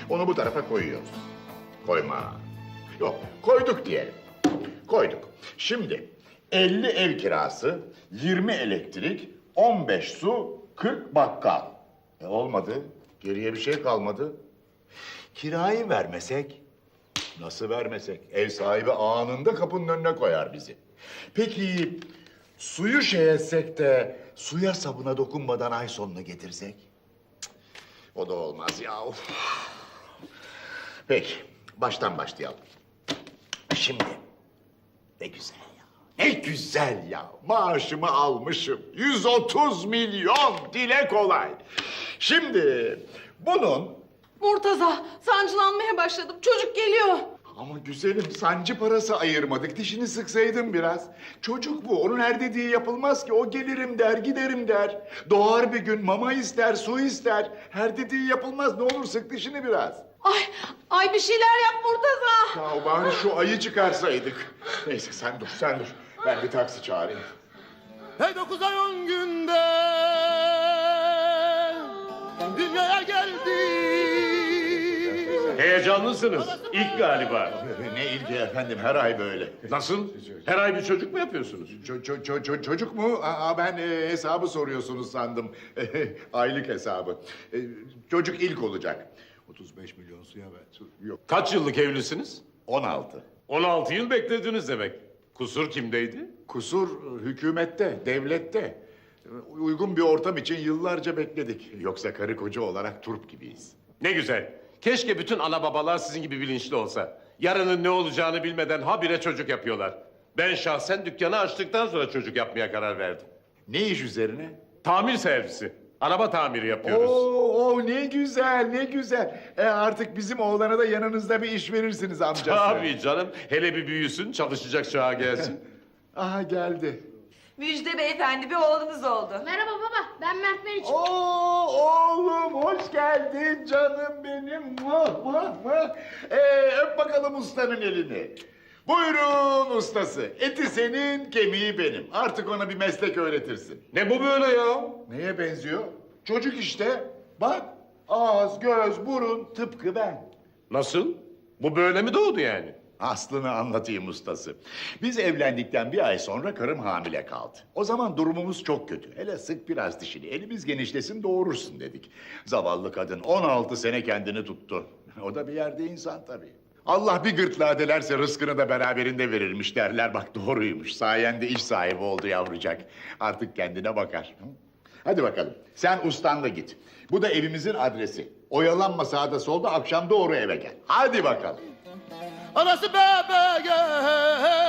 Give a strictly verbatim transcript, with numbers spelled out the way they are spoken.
Onu bu tarafa koyuyoruz. Koyma. Yok, koyduk diyelim. Koyduk. Şimdi elli ev kirası, yirmi elektrik, on beş su, kırk bakkal. E olmadı. Geriye bir şey kalmadı. Kirayı vermesek? Nasıl vermesek? Ev sahibi anında kapının önüne koyar bizi. Peki suyu şey etsek de suya sabuna dokunmadan ay sonunu getirsek? Cık, o da olmaz ya. Of. Peki, baştan başlayalım. Şimdi, ne güzel ya, ne güzel ya. Maaşımı almışım, yüz otuz milyon, dile kolay. Şimdi bunun... Murtaza, sancılanmaya başladım. Çocuk geliyor. Ama güzelim, sancı parası ayırmadık. Dişini sıksaydın biraz. Çocuk bu, onun her dediği yapılmaz ki. O gelirim der, giderim der. Doğar bir gün, mama ister, su ister. Her dediği yapılmaz. Ne olur sık dişini biraz. Ay, ay bir şeyler yap Murtaza. Ya bari şu ayı çıkarsaydık. Neyse sen dur, sen dur. Ben bir taksi çağırayım. Hey dokuz ay on günde dünyaya geldi. Heyecanlısınız. İlk galiba. Ne ilgi efendim, her ay böyle. Nasıl? Her ay bir çocuk mu yapıyorsunuz? Ço- ço- ço- ço- çocuk mu? Aa, ben e, hesabı soruyorsunuz sandım. Aylık hesabı. E, çocuk ilk olacak. otuz beş milyon suya ver. Yok. Kaç yıllık evlisiniz? on altı. on altı yıl beklediniz demek. Kusur kimdeydi? Kusur hükümette, devlette. Uygun bir ortam için yıllarca bekledik. Yoksa karı koca olarak turp gibiyiz. Ne güzel. Keşke bütün ana babalar sizin gibi bilinçli olsa. Yarının ne olacağını bilmeden habire çocuk yapıyorlar. Ben şahsen dükkanı açtıktan sonra çocuk yapmaya karar verdim. Ne iş üzerine? Tamir servisi. Araba tamiri yapıyoruz. Oo, oo, ne güzel, ne güzel. E artık bizim oğlana da yanınızda bir iş verirsiniz amcası. Tabii canım. Hele bir büyüsün, çalışacak çağa gelsin. Aha geldi. Müjde beyefendi, bir oğlunuz oldu. Merhaba baba, ben Mert Meriç. Oo oğlum, hoş geldin canım benim. Mah mah mah. Ee, öp bakalım ustanın elini. Buyurun ustası. Eti senin, kemiği benim. Artık ona bir meslek öğretirsin. Ne bu böyle ya? Neye benziyor? Çocuk işte. Bak, ağız, göz, burun tıpkı ben. Nasıl? Bu böyle mi doğdu yani? Aslını anlatayım ustası. Biz evlendikten bir ay sonra karım hamile kaldı. O zaman durumumuz çok kötü. Hele sık biraz dişini, elimiz genişlesin doğurursun dedik. Zavallı kadın on altı sene kendini tuttu. O da bir yerde insan tabii. Allah bir gırtlağı dilerse rızkını da beraberinde verirmiş derler. Bak doğruymuş. Sayende iş sahibi oldu yavrucak. Artık kendine bakar. Hı? Hadi bakalım. Sen ustanla git. Bu da evimizin adresi. Oyalanma sağda solda, akşam doğru eve gel. Hadi bakalım. Anası bebeğe